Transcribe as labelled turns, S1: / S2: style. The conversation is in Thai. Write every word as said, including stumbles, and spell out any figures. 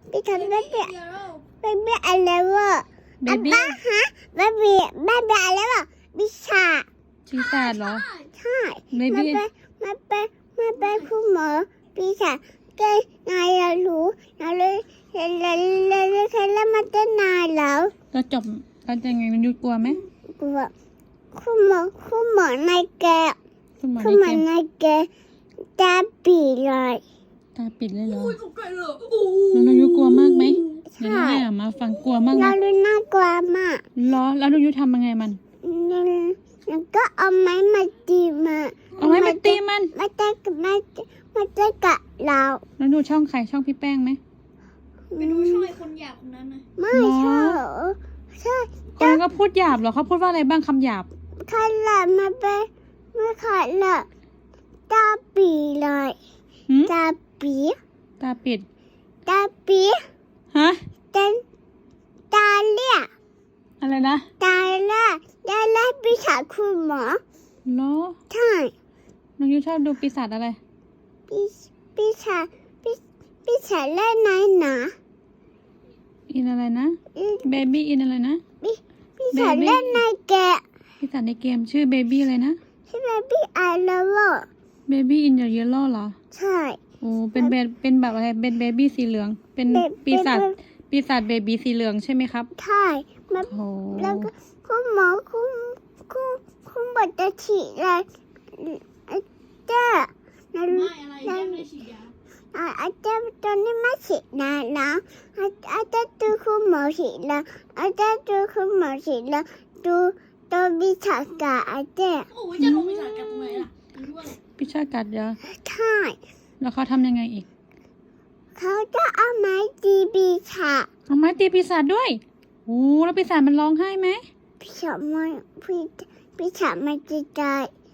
S1: พี่ทำเบบี้เบบี้อะไรวะ
S2: เบ
S1: อา
S2: บี้
S1: บ้าฮะเบบี้เบบี้อะไรวะบิชา
S2: ปีศาจเหรอ
S1: ใช่
S2: เบ
S1: มา
S2: บี้
S1: เป็นมาเป็นมาเป็นคุณหมอบิชาเต้นนายเรารู้เราเลยเราเลยเราเลยเคยเล่นมาเต้นนายแล้ว
S2: เราจบเราจะยังไงมันยุกลัวไหม
S1: กลัวคุณหมอคุณหมอในแก
S2: คุณหมอ
S1: คุณหมอ
S2: ในเกม
S1: ในแกตาปีเลย
S2: ตาปิดเลยเหรอ
S3: อุ้ยตกใจเลยโอ้
S2: แล้วน้องยุกลัวมากไหมเดี๋ยว
S1: ใช่
S2: น้องให้อามาฟังกลัวมากไหม
S1: เราดูน่ากลัวมาก
S2: เหรอแล้วน้องยุทำยังไงมัน
S1: แล้วก็เอาไม้มาตีมา
S2: เอาไม้มาตีมัน
S1: มาเตะกับมามาเตะกับเรา
S2: แล้วดูช่องใครช่องพี่แป้งไหม
S3: ไปดูช่องไอ้คนหยาบคนนั้นนะ
S1: ไม่
S2: หรอ
S1: ใช่ใช่
S2: คนนั้นก็พูดหยาบเหรอเขาพูดว่าอะไรบ้างคำหยาบ
S1: ใครละมาเป็นไม่ใครละตาปีเลย
S2: หืม
S1: ตาปี
S2: ตาปิด
S1: ตาปี
S2: ฮะ
S1: เต้นตาเลี่ย
S2: อะไรนะ
S1: ตาเลี่ยตาเลี่ยปีศาจคุณหมอ
S2: เหรอ
S1: ใช่
S2: น้องยุชอบดูปีศาจอะไร
S1: ปีปีศาจปีปีศาจเล่นไหนหนา
S2: อินอะไรนะ
S1: อืม
S2: เบบี้อินอะไรนะ
S1: ปีปีศาจเล่นในแกะ
S2: ปีศาจในเกมชื่อเบบี้อะไรนะ
S1: ใช่ไหมพี่ไอเลเวอร์
S2: เบบี้อินเดอะเยลโล่เหรอ
S1: ใช่
S2: โอ้เป็นเบเป็นแบบอะไรเป็นเบบี้สีเหลือง เป็น
S1: เบ
S2: ปีศาจ
S1: เบ
S2: ปีศาจเบบี้สีเหลืองใช่ไหมครับ
S1: ใช่มา
S2: โอ้
S1: แล้วก็คุณหมอคุณคุณคุณบอกจะฉีดอะไรเจ้าแล้ว
S3: ไม่อะไรแย่ไม่ได้ฉีดยา
S1: อ่าอาจารย์ตอนนี้ไม่ฉีดนะนะอาอาจารย์ดูคุณหมอฉีดแล้วอาจารย์ดูคุณหมอฉีดแล้วดูตัววิชาการอาจารย์
S3: โอ้ยจะลงไปสาดกันตรงไหนล่ะไม่รู้อะไร
S2: พิชากัดเยอะ
S1: ใช่
S2: แล้วเขาทำยังไงอีก
S1: เขาจะเอาไม้ตีปีชา
S2: เอาไม้ตีปีศาจด้วยโอ้แล้วปีศาจมันร้องไห้ไหม
S1: ปีชาไม่ปีปีชาไม่จะตาย